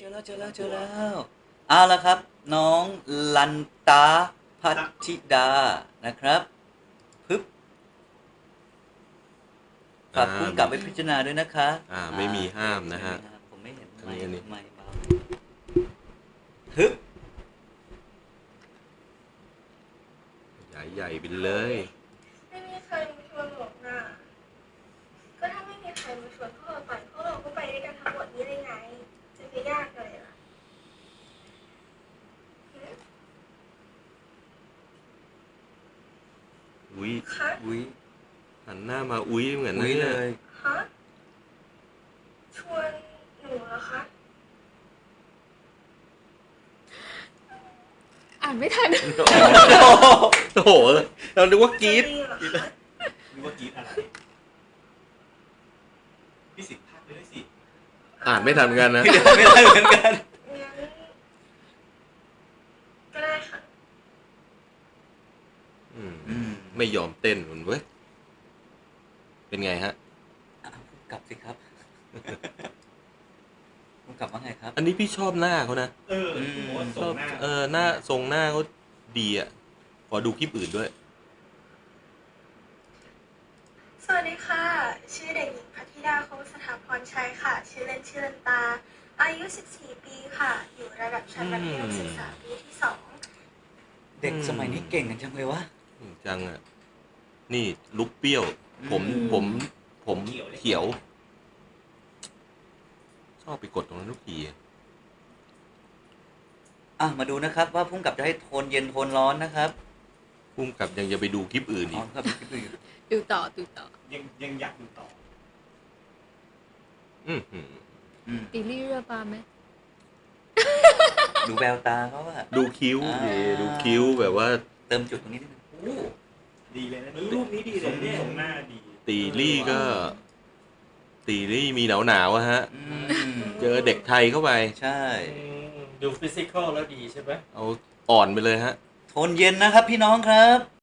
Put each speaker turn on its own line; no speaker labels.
แล้วเอาละครับน้องลันตาพัชชิดานะครับพึบฝากพุ่งกลับไปพิจารณาด้วยนะคะ
ไม่มีห้ามนะฮะ
ผมไม่เห็น
อันนี้
ไม่เบาฮึบ
ใหญ่ไปเลย
ไม่มีใครมาชวนหรอกนะก็ถ้าไม่มีใครมาชวนพวกเราไปพวกเราก็ไปด้วยกันทั้งหมดนี้ได้ไงจะไปยากเลยล่ะ
อุ้ย
คะ
อุ้ย
หันหน้ามาอุ้ยเหมือนนั่
อุ้ย
น
เล
เลย ย
ฮะชวนหนูเหรอคะ
อ่านไม่ทัน
โอ้โหเรานึกว่ากรี๊ด
จะดีเหรอคะ
นึกว่ากรี๊ดอะไรพี่สิทธิ์พากไปด้วยสิ
อ่านไม่ทันเหมือนกันนะ
ไม่ได้เหมือนกัน
งั้นก็ได้ค่ะ
ไม่ยอมเต้นคุณเว้ยเป็นไงฮะ
กลับสิครับพุ่งกลับว่าไงครับ
อันนี้พี่ชอบหน้าเขานะ
ผมว่า
ช
ส่
อง บ
หน้า
หน้าทรงหน้าเขาดีอ่ะขอดูคลิปอื่นด้วย
สวัสดีค่ะชื่อเด็กหญิงพัทธิดาคงสถาพรชัยค่ะชื่อเล่นชื่อลันตาอายุ14 ปีค่ะอยู่ระดับชั้นมัธยมศึกษาปีที่2
เด็กสมัยนี้เก่งกันจังเลยวะ
จังอ่ะนี่ลุกเปรี้ยว ผมเขียว ชอบไปกดตรงนั้นทุกที
มาดูนะครับว่าพุ่งกลับจะให้โทนเย็นโทนร้อนนะครับ
พุ่มกับยังจะไปดูคลิปอื่นอีก
ครับคลิปอื่น
ดูต่อ
ยังอยากดูต่อ
ตีลี่เรือปลาไหม
ดูแววตาเขาอะ
ดูคิ้วดิดูคิ้วแบบว่า
เติมจุดตรงนี้นิดนึง
โอ้ดีเลยนะรูปนี้ดีเลยเนี่ยส่งหน้าดี
ตีลี่ก็ ตีลี่มีหนาวอะฮะ เจอเด็กไทยเข้าไป
ใช่
ดูฟิสิกอลแล้วดีใช่ไหม
เอาอ่อนไปเลยฮะ
โทนเย็นนะครับพี่น้องครับ